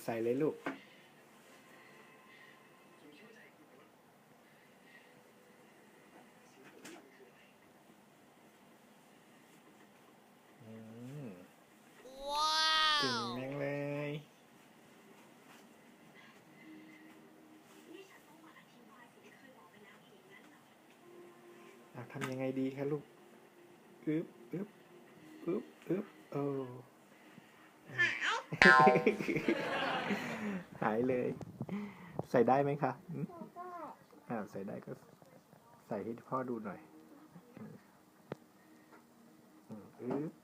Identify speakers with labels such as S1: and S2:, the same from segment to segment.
S1: ใส่เลยลูกเก่งแม่งเลยทำยังไงดีคะลูกอึ๊บอึ๊บอึ๊บอึ๊บโอ้หายเลย ใส่ได้ไหมคะใส่ได้ก็ใส่ให้พ่อดูหน่อยอึ๊บ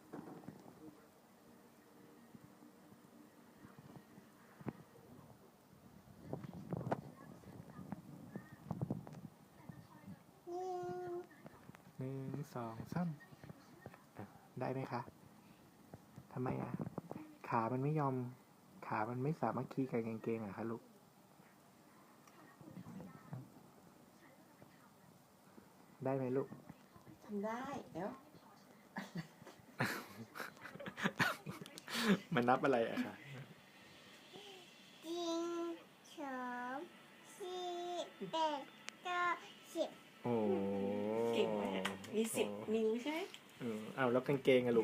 S1: 1 2 3ได้ไหมคะทำไมขามันไม่ยอมขามันไม่สามารถคีกับกางเกงคะลูกได้ไหมลูก
S2: ทำได้เดี๋ยว
S1: มันนับอะไรคะ
S2: 1 2 3 4 5 6 7 8 9 10
S1: โอ้
S2: เก่งมากมี10 นิ้วใช่ไหม
S1: เอาแล้วกางเกงลูก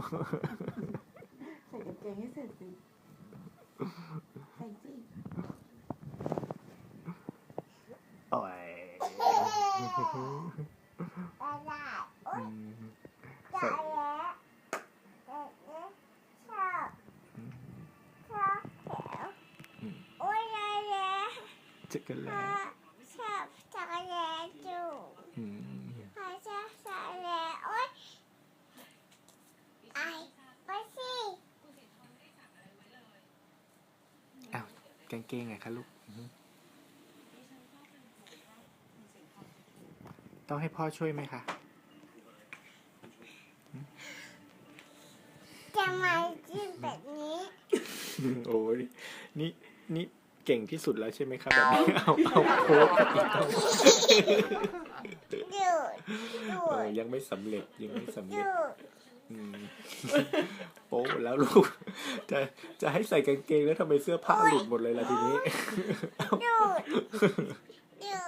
S2: ใส่กางเกงให้เสร็จสิใส่สิ
S1: โอ้ยใส่จักรแล
S2: ชอบจักรแลจูชอบจักรแลโอ๊ยไอไปสิ
S1: กางเกงไงคะลูกต้องให้พ่อช่วยไหมคะ
S2: จะมาจิ้มแบบนี้
S1: โอ้ยนี่เก่งที่สุดแล้วใช่ไหมครับแบบนี้เอาโค้กยังไม่สำเร็จโป๊แล้วลูกจะให้ใส่กางเกงแล้วทำไมเสื้อผ้าหลุดหมดเลยล่ะทีนี้